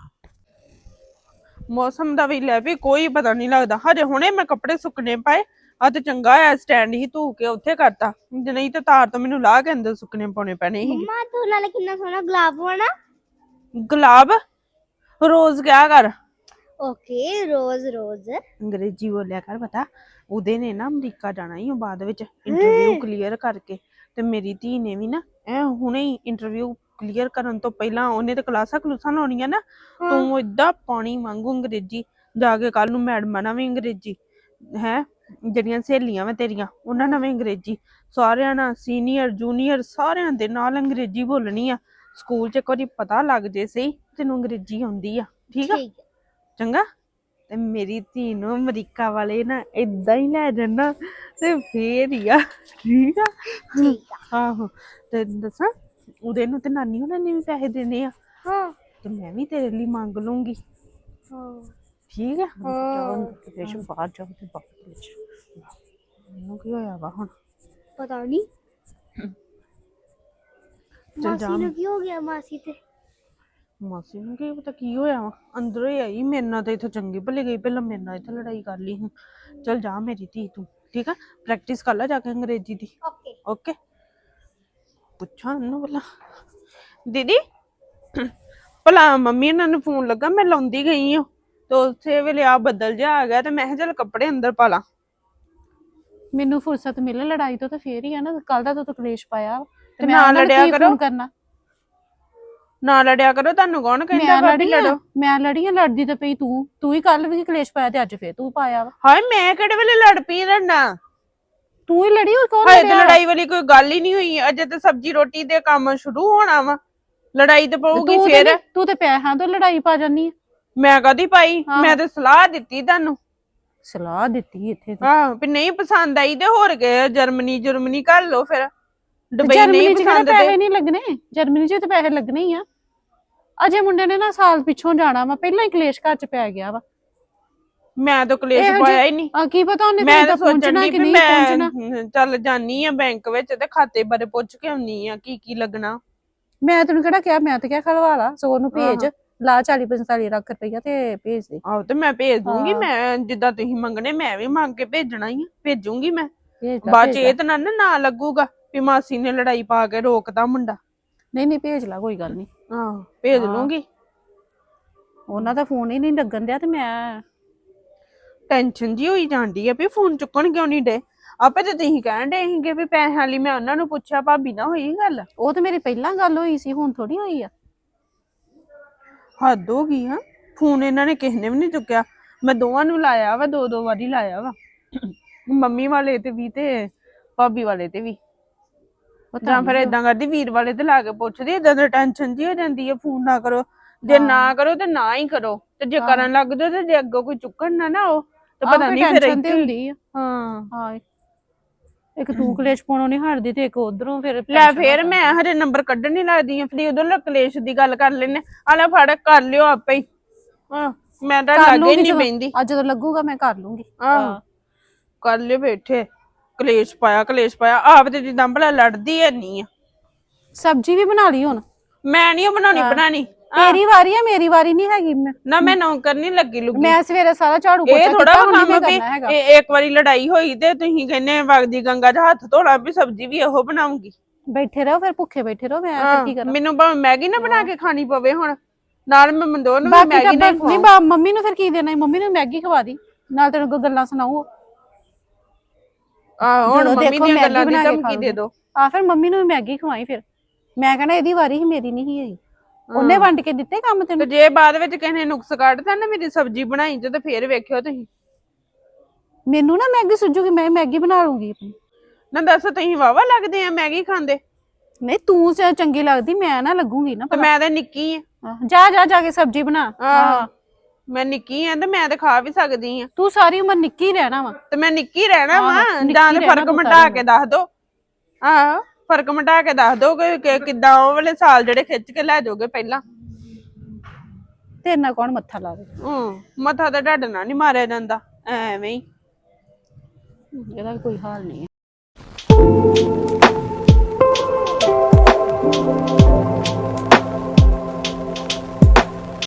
ਮੌਸਮ ਦਾ ਵੀ ਲੈ ਵੀ ਕੋਈ ਪਤਾ ਨਹੀਂ ਲੱਗਦਾ। ਹਜੇ ਹੁਣੇ ਮੈਂ ਕੱਪੜੇ ਸੁੱਕਣੇ ਪਾਏ, ਆ ਤੇ ਚੰਗਾ ਆ ਸਟੈਂਡ ਹੀ ਧੂ ਕੇ ਉੱਥੇ ਕਰਤਾ, ਜੇ ਨਹੀਂ ਤੇ ਤਾਰ ਤੋਂ ਮੈਨੂੰ ਲਾ ਕੇ ਅੰਦਰ ਸੁੱਕਣੇ ਪਾਉਣੇ ਪੈਣੇ ਸੀ। ਮੰਮਾ ਤੂੰ ਨਾਲੇ ਕਿੰਨਾ ਸੋਹਣਾ ਗੁਲਾਬ ਹੋਣਾ। ਗੁਲਾਬ ਰੋਜ਼ ਕਿਆ ਕਰ, ਓਕੇ ਰੋਜ਼ ਰੋਜ਼। ਅੰਗਰੇਜ਼ੀ ਬੋਲਿਆ ਕਰ। ਪਤਾ ਉਹਦੇ ਨੇ ਨਾ ਅਮਰੀਕਾ ਜਾਣਾ ਹੀ ਬਾਅਦ ਵਿੱਚ ਇੰਟਰਵਿਊ ਕਲੀਅਰ ਕਰਕੇ, ਤੇ ਮੇਰੀ ਧੀ ਨੇ ਵੀ ਨਾ ਐ ਹੁਣੇ ਹੀ ਇੰਟਰਵਿਊ ਕਲੀਅਰ ਕਰਨ ਤੋਂ ਪਹਿਲਾਂ ਉਹਨੇ ਤੇ ਕਲਾਸਾਂ ਕਲੂਸਾਂ ਲਾਉਣੀਆਂ ਨਾ। ਤੂੰ ਏਦਾਂ ਪਾਣੀ ਵਾਂਗੂ ਅੰਗਰੇਜ਼ੀ ਜਾ ਕੇ ਕੱਲ ਨੂੰ ਮੈਡਮਾਂ ਨਾਲ ਵੀ ਅੰਗਰੇਜ਼ੀ ਹੈ, ਜਿਹੜੀਆਂ ਸਹੇਲੀਆਂ ਵਾ ਤੇਰੀਆਂ ਉਹਨਾਂ ਨਾਲ ਵੀ ਅੰਗਰੇਜ਼ੀ, ਸਾਰਿਆਂ ਨਾਲ ਸੀਨੀਅਰ ਜੂਨੀਅਰ ਸਾਰਿਆਂ ਦੇ ਨਾਲ ਅੰਗਰੇਜ਼ੀ ਬੋਲਣੀ ਆ। ਸਕੂਲ ਚ ਇੱਕ ਵਾਰੀ ਪਤਾ ਲੱਗ ਜੇ ਸਹੀ ਤੈਨੂੰ ਅੰਗਰੇਜ਼ੀ ਆਉਂਦੀ ਆ, ਠੀਕ ਆ ਠੀਕ ਹੈ। ਚੰਗਾ। ਤੇ ਮੇਰੀ ਧੀ ਨੂੰ ਅਮਰੀਕਾ ਵਾਲੇ ਨਾ ਏਦਾਂ ਹੀ ਲੈ ਜਾਣਾ ਤੇ ਫੇਰ ਹੀ ਆ, ਠੀਕ ਆ। ਠੀਕ ਆ। ਆਹੋ ਤੇ ਦੱਸਾਂ ਉਹਦੇ ਨੂੰ ਤੇ ਨਾਨੀ ਉਹਨਾਂ ਨੇ ਵੀ ਪੈਸੇ ਦੇਣੇ ਆ, ਹਾਂ ਤੇ ਮੈਂ ਵੀ ਤੇਰੇ ਲਈ ਮੰਗ ਲੂੰਗੀ, ਹਾਂ ਠੀਕ ਆ। ਹਾਂ। ਦੇਸ਼ ਬਾਹਰ ਜਾਓ ਤੇ ਬਾਹਰ ਵਿੱਚ ਮੈਨੂੰ ਕੀ ਹੋਇਆ ਵਾ ਹੁਣ। ਪਤਾ ਨਹੀਂ ਚੱਲ ਜਾ। ਮਾਸੀ ਨੂੰ ਕੀ ਹੋ ਗਿਆ। ਮਾਸੀ ਤੇ ਮਾਸੀ ਨੂੰ ਕੀ ਪਤਾ ਕੀ ਹੋਇਆ ਵਾ, ਅੰਦਰੋਂ ਹੀ ਆਈ ਮੇਰੇ ਨਾਲ ਤੇ ਇੱਥੇ ਚੰਗੀ ਭਲੀ ਗਈ, ਪਹਿਲਾਂ ਮੇਰੇ ਨਾਲ ਇੱਥੇ ਲੜਾਈ ਕਰ ਲਈ ਹੁਣ। ਚੱਲ ਜਾ ਮੇਰੀ ਧੀ ਤੂੰ, ਠੀਕ ਆ। ਪ੍ਰੈਕਟਿਸ ਕਰ ਲੈ ਜਾ ਕੇ ਅੰਗਰੇਜ਼ੀ ਦੀ, ਓਕੇ। ਓਕੇ। ਪੁੱਛਾਂ ਉਹਨੂੰ ਭਲਾ ਦੀਦੀ ਭਲਾ ਮੰਮੀ ਇਹਨਾਂ ਨੂੰ ਫੋਨ ਲੱਗਾ, ਮੈਂ ਲਾਉਂਦੀ ਗਈ ਹਾਂ ਤੇ ਉਸੇ ਵੇਲੇ ਆ ਬੱਦਲ ਜਿਹਾ ਆ ਗਿਆ ਤੇ ਮੈਂ ਕਿਹਾ ਚੱਲ ਕੱਪੜੇ ਅੰਦਰ ਪਾ ਲਾਂ। ਮੈਨੂੰ ਫੁਰਸਤ ਮਿਲੇ ਲੜਾਈ ਤੋਂ ਤਾਂ ਫੇਰ ਹੀ ਆ ਨਾ। ਕੱਲ ਦਾ ਤਾਂ ਕਲੇਸ਼ ਪਾਇਆ ਵਾ, ਤੇ ਮੈਂ ਨਾ ਉਹਨਾਂ ਨੂੰ ਲੜਿਆ ਕੀ ਕਰੋ। ਫੋਨ ਕਰਨਾ। ਨਾ ਲੜਿਆ ਕਰੋ, ਤੁਹਾਨੂੰ ਕੌਣ ਕਹਿੰਦਾ ਮੈਂ ਭਾਬੀ ਲੜੀ ਆ, ਲੜੋ। ਮੈਂ ਲੜੀ ਆ, ਲੜਦੀ ਤਾਂ ਪਈ ਤੂੰ ਤੂੰ ਹੀ ਕੱਲ ਵੀ ਕਲੇਸ਼ ਪਾਇਆ ਤੇ ਅੱਜ ਫੇਰ ਤੂੰ ਪਾਇਆ ਵਾ। ਹਾਏ ਮੈਂ ਕਿਹੜੇ ਵੇਲੇ ਲੜ ਪਈ ਰਣਾ, ਤੂੰ ਹੀ ਲੜੀ, ਹੋਰ ਕੌਣ ਹਾਏ ਤੇ ਲੜਿਆ? ਲੜਾਈ ਵਾਲੀ ਕੋਈ ਗੱਲ ਹੀ ਨਹੀਂ ਹੋਈ, ਅਜੇ ਤੇ ਸਬਜ਼ੀ ਰੋਟੀ ਦੇ ਕੰਮ ਸ਼ੁਰੂ ਹੋਣਾ ਵਾ, ਲੜਾਈ ਤੇ ਪਊਗੀ ਤੂੰ ਤੇ ਫੇਰ। ਨੀ- ਤੂੰ ਤੇ ਪੈਸਿਆਂ ਤੋਂ ਲੜਾਈ ਪਾ ਜਾਨੀ ਆ। ਮੈਂ ਕਦੀ ਪਾਈ, ਹਾਂ। ਮੈਂ ਤੇ ਸਲਾਹ ਦਿੱਤੀ ਤੁਹਾਨੂੰ। ਸਲਾਹ ਦਿੱਤੀ ਇੱਥੇ ਤੇ। ਆਹ ਵੀ ਨਹੀਂ ਪਸੰਦ ਆਈ ਤੇ ਹੋਰ ਗਏ ਜਰਮਨੀ ਜਰਮਨੀ ਕਰ ਲੋ ਫਿਰ। ਦੁਬਈ ਜਰਮਨੀ ਨਹੀਂ ਚ ਕਿਹੜੇ ਪਸੰਦ ਪੈਸੇ ਤੇ ਨਹੀਂ ਲੱਗਣੇ, ਜਰਮਨੀ ਚ ਤੇ ਪੈਸੇ ਲੱਗਣੇ ਹੀ ਆ। ਅਜੇ ਮੁੰਡੇ ਨੇ ਨਾ ਸਾਲ ਪਿੱਛੋਂ ਜਾਣਾ ਵਾ, ਪਹਿਲਾਂ ਹੀ ਕਲੇਸ਼ ਘਰ ਚ ਪੈ ਗਿਆ ਵਾ। ਮੈਂ ਤਾਂ ਕਲੇਸ਼ ਇਹੋ ਪਾਇਆ ਜਿਹੇ- ਹੀ ਨਹੀਂ। ਆ ਕੀ ਪਤਾ ਉਹਨੇ ਮੈਂ ਤੈਨੂੰ ਤਾਂ ਤਾਂ ਸੋਚਣ ਪਹੁੰਚਣਾ ਦੀ ਕਿ ਵੀ ਨਹੀਂ ਪਹੁੰਚਣਾ। ਮੈਂ ਚੱਲ ਜਾਨੀ ਆ ਬੈਂਕ ਵਿੱਚ ਤੇ ਖਾਤੇ ਬਾਰੇ ਪੁੱਛ ਕੇ ਆਉਣੀ ਆ ਕੀ ਕੀ ਲੱਗਣਾ। ਮੈਂ ਤੈਨੂੰ ਕਿਹੜਾ ਕਿਹਾ, ਮੈਂ ਤਾਂ ਕਿਹਾ ਖਲਵਾ ਲਾ, ਸੋ ਉਹਨੂੰ ਭੇਜ ਆਹੋ। ਲਾ ਚਾਲੀ ਪੰਤਾਲੀ ਲੱਖ ਰੁਪਈਆ ਤੇ ਭੇਜ ਦੇ। ਆਹੋ ਤੇ ਮੈਂ ਭੇਜ ਦੂੰਗੀ, ਹਾਂ। ਮੈਂ ਜਿੱਦਾਂ ਤੁਸੀਂ ਮੰਗਣੇ ਮੈਂ ਵੀ ਮੰਗ ਕੇ ਭੇਜਣਾ ਹੀ ਆ, ਭੇਜੂੰਗੀ ਮੈਂ। ਭੇਜ ਲਾ, ਬਾਅਦ ਚ ਭੇਜ ਇਹ ਲਾ। ਤਾਂ ਨਾ ਨਾ ਨਾ ਲੱਗੂਗਾ ਵੀ ਮਾਸੀ ਨੇ ਲੜਾਈ ਪਾ ਕੇ ਰੋਕਦਾ ਮੁੰਡਾ। ਨਹੀਂ ਨਹੀਂ ਭੇਜ ਲਾ, ਕੋਈ ਗੱਲ ਨਹੀਂ। ਆਹੋ ਭੇਜ ਹਾਂ। ਲੂੰਗੀ। ਉਹਨਾਂ ਦਾ ਫੋਨ ਹੀ ਨਹੀਂ ਲੱਗਣ ਦਿਆ ਤੇ ਮੈਂ ਟੈਨਸ਼ਨ ਜੀ ਹੋਈ ਜਾਂਦੀ ਆ ਵੀ ਫੋਨ ਚੁੱਕਣ ਕਿਉਂ ਨਹੀਂ ਡੇ। ਆਪੇ ਤੇ ਤੁਸੀਂ ਕਹਿਣ ਡੇ ਸੀਗੇ ਵੀ ਪੈਸਿਆਂ ਲਈ ਮੈਂ ਉਹਨਾਂ ਨੂੰ ਪੁੱਛਿਆ, ਭਾਬੀ ਨਾਲ ਹੋਈ ਗੱਲ। ਉਹ ਤੇ ਮੇਰੀ ਪਹਿਲਾਂ ਗੱਲ ਹੋਈ ਸੀ, ਹੁਣ ਥੋੜੀ ਹੋਈ ਆ। ਹੱਦ ਹੋ ਗਈ ਹਾਂ, ਫੋਨ ਇਹਨਾਂ ਨੇ ਕਿਸੇ ਨੇ ਵੀ ਨਹੀਂ ਚੁੱਕਿਆ। ਮੈਂ ਦੋਵਾਂ ਨੂੰ ਲਾਇਆ ਵਾ, ਦੋ ਦੋ ਵਾਰੀ ਲਾਇਆ ਵਾ, ਮੰਮੀ ਵਾਲੇ ਤੇ ਵੀ ਤੇ ਭਾਬੀ ਵਾਲੇ ਤੇ ਵੀ। ਪਤਾ ਜਾਂ ਫਿਰ ਨੀ ਏਦਾਂ ਕਰਦੀ ਵੀਰ ਵਾਲੇ ਤੇ ਲਾ ਕੇ ਪੁੱਛਦੀ, ਏਦਾਂ ਦੀ ਟੈਨਸ਼ਨ ਜੀ ਹੋ ਜਾਂਦੀ ਹੈ। ਫੋਨ ਨਾ ਕਰੋ, ਜੇ ਹਾਂ। ਨਾ ਕਰੋ ਤੇ ਨਾ ਹੀ ਕਰੋ, ਤੇ ਜੇ ਹਾਂ। ਕਰਨ ਲੱਗ ਜਾਓ ਤੇ ਜੇ ਅੱਗੋਂ ਕੋਈ ਚੁੱਕਣ ਨਾ ਨਾ ਉਹ ਤੇ ਆਹ ਪਤਾ ਫਿਰ ਨਹੀਂ ਫਿਰ tension ਤੇ ਇੱਥੇ ਹੁੰਦੀ ਆ। ਹਾਂ। ਹਾਂ ਇੱਕ ਤੂੰ ਕਲੇਸ਼ ਪਾਉਣੋਂ ਨਹੀਂ ਹਟਦੀ ਤੇ ਇੱਕ ਉਧਰੋਂ ਫਿਰ ਲੈ tension ਫੇਰ ਹੋ ਮੈਂ ਜਾਂਦੀ। ਹਰੇ ਨੰਬਰ ਕੱਢਣ ਨਹੀਂ ਲੱਗਦੀ ਆ, ਫਿਰ ਉਦੋਂ ਕਲੇਸ਼ ਦੀ ਗੱਲ ਕਰ ਲੈਨੇ ਆ। ਲੈ ਫੜ ਕਰ ਲਿਓ ਆਪੇ ਹੀ। ਹਾਂ ਮੈਂ ਤਾਂ ਕਰ ਲੱਗੇ ਲੂੰਗੀ ਨਹੀਂ ਜਦੋਂ- ਪੈਂਦੀ। ਅੱਜ ਜਦੋਂ ਲੱਗੂਗਾ ਮੈਂ ਕਰ ਲੂੰਗੀ। ਆਹ ਕਰ ਲਿਓ ਬੈਠੇ, ਕਲੇਸ਼ ਪਾਇਆ ਕਲੇਸ਼ ਪਾਇਆ ਆਪ ਤੇ ਜਿੱਦਾਂ ਭਲਾ ਲੜਦੀ ਐ ਨਹੀਂ ਆ। ਸਬਜ਼ੀ ਵੀ ਬਣਾ ਲਈ ਹੁਣ। ਮੈਂ ਨਹੀਂ ਉਹ ਬਣਾਉਣੀ ਹਾਂ। ਬਣਾਣੀ ਤੇਰੀ ਵਾਰੀ ਆ ਮੇਰੀ ਵਾਰੀ ਨਹੀਂ ਹੈਗੀ ਮੈਂ ਨਾ ਮੈਂ ਨੌਕਰ ਨਹੀਂ ਲੱਗੀ ਲੁੱਗੀ ਮੈਂ ਸਵੇਰੇ ਸਾਰਾ ਝਾੜੂ ਇਹ ਪੋਚਾ ਥੋੜਾ ਕੀਤਾ ਹੁਣ ਕੰਮ ਨਹੀਂ ਵੀ ਕਰਨਾ ਹੈਗਾ ਇਹ ਇੱਕ ਵਾਰੀ ਲੜਾਈ ਹੋਈ ਤੇ ਤੁਸੀਂ ਕਹਿੰਨੇ ਵਗਦੀ ਗੰਗਾ 'ਚ ਹੱਥ ਧੋਣਾ ਵੀ ਸਬਜ਼ੀ ਵੀ ਇਹੋ ਬਣਾਉਂਗੀ ਬੈਠੇ ਰਹੋ ਫਿਰ ਭੁੱਖੇ ਬੈਠੇ ਰਹੋ ਮੈਂ ਫਿਰ ਕੀ ਕਰਾਂ ਮੈਨੂੰ ਭਾਵੇਂ ਮੈਗੀ ਨਾ ਬਣਾ ਕੇ ਖਾਣੀ ਪਵੇ ਹੁਣ ਨਾਲ ਮੈਂ ਮੰਦੋ ਨੂੰ ਵੀ ਬਾਕੀ ਮੈਗੀ ਤਾਂ ਨਹੀਂ ਨਹੀਂ ਬਾ ਮੰਮੀ ਨੂੰ ਫਿਰ ਕੀ ਦੇਣਾ ਈ? ਮੰਮੀ ਨੂੰ ਮੈਗੀ ਖਵਾ ਦੀ ਨਾਲ ਤੈਨੂੰ ਕੋਈ ਗੱਲਾਂ ਸੁਣਾਓ ਆ ਹੁਣ ਜਦੋਂ ਮੰਮੀ ਦੇਖੋ ਦੀਆਂ ਮੈਗੀ ਗੱਲਾਂ ਦੀ ਬਣਾ ਕੇ ਧਮਕੀ ਦੇ ਖਾਓਗੇ। ਦੋ ਆ ਫਿਰ ਮੰਮੀ ਨੂੰ ਵੀ ਮੈਗੀ ਖਵਾਈ ਫਿਰ ਮੈਂ ਕਹਣਾ ਇਹਦੀ ਵਾਰੀ ਹੀ ਮੇਰੀ ਨਹੀਂ ਹੈਗੀ ਉਹਨੇ ਵੰਡ ਕੇ ਦਿੱਤੇ ਕੰਮ ਤੇ ਤੈਨੂੰ ਜੇ ਬਾਅਦ ਵਿੱਚ ਕਿਸੇ ਨੇ ਨੁਕਸ ਕੱਢਤਾ ਨਾ ਮੇਰੀ ਸਬਜ਼ੀ ਬਣਾਈ ਤੇ ਫੇਰ ਵੇਖਿਓ ਤੁਸੀਂ ਮੈਨੂੰ ਨਾ ਮੈਗੀ ਸੁੱਜੂਗੀ ਮੈਂ ਮੈਗੀ ਬਣਾ ਲੂੰਗੀ ਆਪਣੀ ਨਾ ਦੱਸ ਤੁਸੀਂ ਵਾਵਾ ਲੱਗਦੇ ਆ ਮੈਗੀ ਖਾਂਦੇ ਨਹੀਂ ਤੂੰ ਚ- ਚੰਗੀ ਲੱਗਦੀ ਮੈਂ ਨਾ ਲੱਗੂਗੀ ਨਾ ਤੇ ਮੈਂ ਤਾਂ ਨਿੱਕੀ ਆ ਆਹ, ਜਾ ਜਾ ਜਾ ਕੇ ਸਬਜ਼ੀ ਬਣਾ ਆਹ ਮੈਂ ਨਿੱਕੀ ਆ ਤੇ ਮੈਂ ਤਾਂ ਖਾ ਵੀ ਸਕਦੀ ਆ ਤੂੰ ਸਾਰੀ ਉਮਰ ਨਿੱਕੀ ਹੀ ਰਹਿਣਾ ਵਾ ਤੇ ਮੈਂ ਨਿੱਕੀ ਰਹਿਣਾ ਆਹੋ, ਵਾ ਨਿੱਕੀ ਜਾਂ ਤੇ ਰਹਿਣਾ ਫਰਕ ਤੂੰ ਮਿਟਾ ਸਾਰੀ ਕੇ ਦੱਸ ਦੋ ਆਹ ਫਰਕ ਮਿਟਾ ਕੇ ਦੱਸ ਦੋ ਕਿ ਕਿ ਕਿੱਦਾਂ ਉਹ ਵਾਲੇ ਸਾਲ ਜਿਹੜੇ ਖਿੱਚ ਕੇ ਲੈ ਜਾਓਗੇ ਪਹਿਲਾਂ ਤੇਰੇ ਨਾਲ ਕੌਣ ਮੱਥਾ ਲਾਵੇ ਹੂੰ ਮੱਥਾ ਤਾਂ ਢੱਡ ਨਾਲ ਨਹੀਂ ਮਾਰਿਆ ਜਾਂਦਾ ਐਵੇਂ ਹੀ ਇਹਦਾ ਵੀ ਕੋਈ ਹਾਲ ਨਹੀਂ ਹੈ